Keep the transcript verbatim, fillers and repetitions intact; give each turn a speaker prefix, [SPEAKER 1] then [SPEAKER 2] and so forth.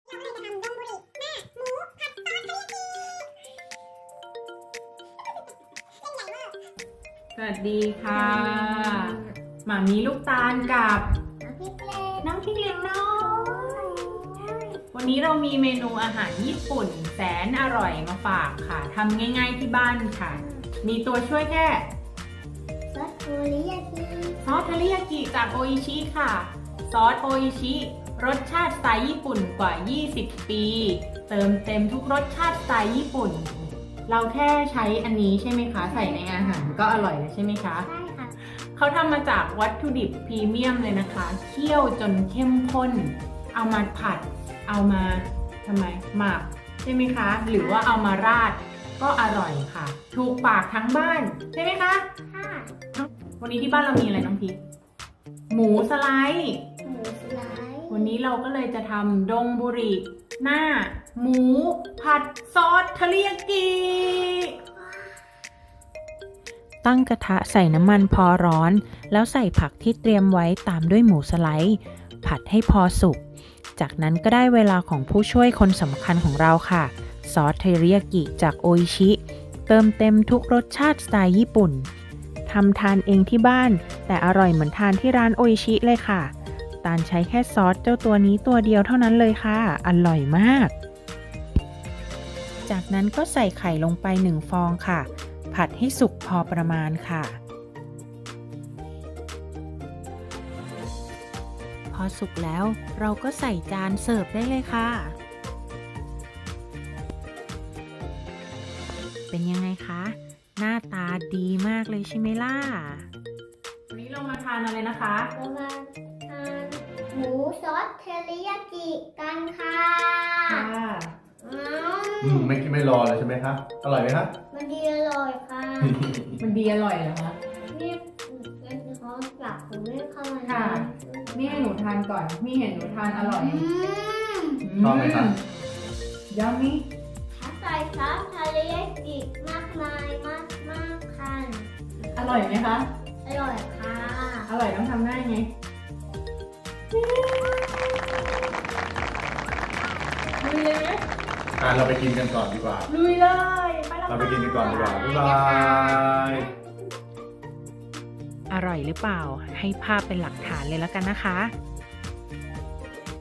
[SPEAKER 1] สวัสดีค่ะหมามีลูกตาลกับน้องพริกเล็กน้อยวันนี้เรามีเมนูอาหารญี่ปุ่นแสนอร่อยมาฝากค่ะทำง่ายๆที่บ้านค่ะมีตัวช่วยแค่
[SPEAKER 2] ซอสโทริยากิ
[SPEAKER 1] ซอสเทริยากิจากโออิชิค่ะซอสโออิชิรสชาติสไตล์ญี่ปุ่นกว่ายี่สิบปีเติมเต็มทุกรสชาติสไตล์ญี่ปุ่นเราแค่ใช้อันนี้ใช่ไหมคะใส่ในอาหารก็อร่อยแล้วใช่ไหมคะ
[SPEAKER 2] ใช่ค่ะ
[SPEAKER 1] เขาทำมาจากวัตถุดิบพรีเมียมเลยนะคะเคี่ยวจนเข้มข้นเอามาผัดเอามาทำไมหมักใช่ไหมคะหรือว่าเอามาราดก็อร่อยค่ะถูกปากทั้งบ้านใช่ไหมคะ
[SPEAKER 2] ค่ะ
[SPEAKER 1] วันนี้ที่บ้านเรามีอะไรน้องพีหมูสไลด์
[SPEAKER 2] หมูสไลด์
[SPEAKER 1] วันนี้เราก็เลยจะทำดงบุริหน้าหมูผัดซอสเทริยากิ
[SPEAKER 3] ตั้งกระทะใส่น้ำมันพอร้อนแล้วใส่ผักที่เตรียมไว้ตามด้วยหมูสไลด์ผัดให้พอสุกจากนั้นก็ได้เวลาของผู้ช่วยคนสำคัญของเราค่ะซอสเทริยากิจากโออิชิเติมเต็มทุกรสชาติสไตล์ญี่ปุ่นทำทานเองที่บ้านแต่อร่อยเหมือนทานที่ร้านโออิชิเลยค่ะตาลใช้แค่ซอสเจ้าตัวนี้ตัวเดียวเท่านั้นเลยค่ะอร่อยมากจากนั้นก็ใส่ไข่ลงไปหนึ่งฟองค่ะผัดให้สุกพอประมาณค่ะพอสุกแล้วเราก็ใส่จานเสิร์ฟได้เลยค่ะเป็นยังไงคะหน้าตาดีมากเลยใช่ไหมล่ะ
[SPEAKER 1] วันนี้เรามาทานอะไรนะคะ
[SPEAKER 2] เรามาทานหมูซอสเทริยากิกันค่ะ
[SPEAKER 1] ค่ะ
[SPEAKER 4] อืมไม่คิดไม่รอเลยใช่ไหมครับอร่อยไหมครับ
[SPEAKER 2] มันดีอร่อยค่ะ
[SPEAKER 1] มันดีอร่อยเหรอคะ
[SPEAKER 2] นี่เป็นเขาหลักผมไม่เข้ามา
[SPEAKER 1] ค่ะนี่ให้หนูทานก่อนมีเห็นหนูทานอร่อย
[SPEAKER 4] ชอบไหมครับ
[SPEAKER 1] ยำมี่
[SPEAKER 2] ถ้าใส่ซอสเทริยากิมากมายมากมากค่ะ
[SPEAKER 1] อร่อยไหมคะ
[SPEAKER 2] อร่อยค่ะ
[SPEAKER 1] อร่อยต้องทำได้ไงลุยเลยไหม
[SPEAKER 4] อ่ะเราไปกินกันก่อนดีกว่า
[SPEAKER 1] ลุยเลยไปแล้ว
[SPEAKER 4] เราไปกินกันก่อนดีกว่าบ๊ายบาย
[SPEAKER 3] อร่อยหรือเปล่าให้ภาพเป็นหลักฐานเลยแล้วกันนะคะ